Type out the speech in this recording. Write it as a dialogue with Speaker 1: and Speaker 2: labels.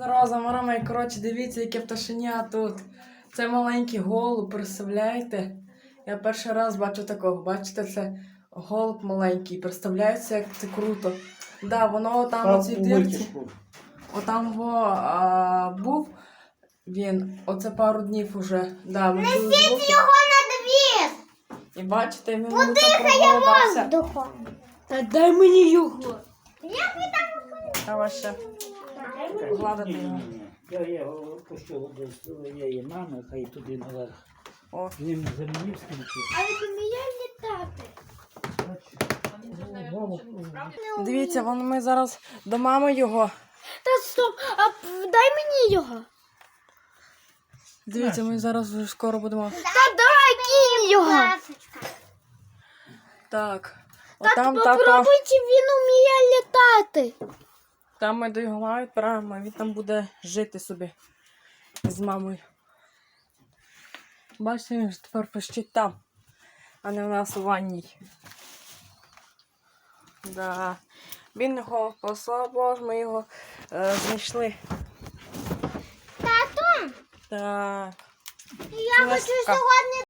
Speaker 1: Здорово, замарами. Коротше, дивіться, яке пташеня тут. Це маленький голуб, представляєте? Я перший раз бачу такого. Бачите, це голуб маленький. Представляється, як це круто. Да, воно там у цій дірці. Отам був він. Оце пару днів уже. Да,
Speaker 2: несіть його на двір!
Speaker 1: І бачите, він
Speaker 2: подихає воздухом.
Speaker 3: Та дай мені його.
Speaker 2: Як ви там?
Speaker 1: Давай ще. Гладити його.
Speaker 4: Я його пущу до своєї мами, хай туди наверх.
Speaker 1: О.
Speaker 4: Він землі скінчив.
Speaker 2: А ви поміняли літати?
Speaker 1: Дивіться, ми зараз до мами його.
Speaker 3: Та стоп, а дай мені його.
Speaker 1: Дивіться, ми зараз вже скоро будемо.
Speaker 3: Та дай кинь його.
Speaker 1: Так.
Speaker 3: Та
Speaker 1: Отам
Speaker 3: попробуйте, він вміє літати.
Speaker 1: Там ми до його мами відправимо, він там буде жити собі з мамою. Бачите, він ж тепер пищить там, а не в нас у ванній. Да. Він його послабо, ми його знайшли.
Speaker 2: Тату,
Speaker 1: Так.
Speaker 2: я хочу сьогодні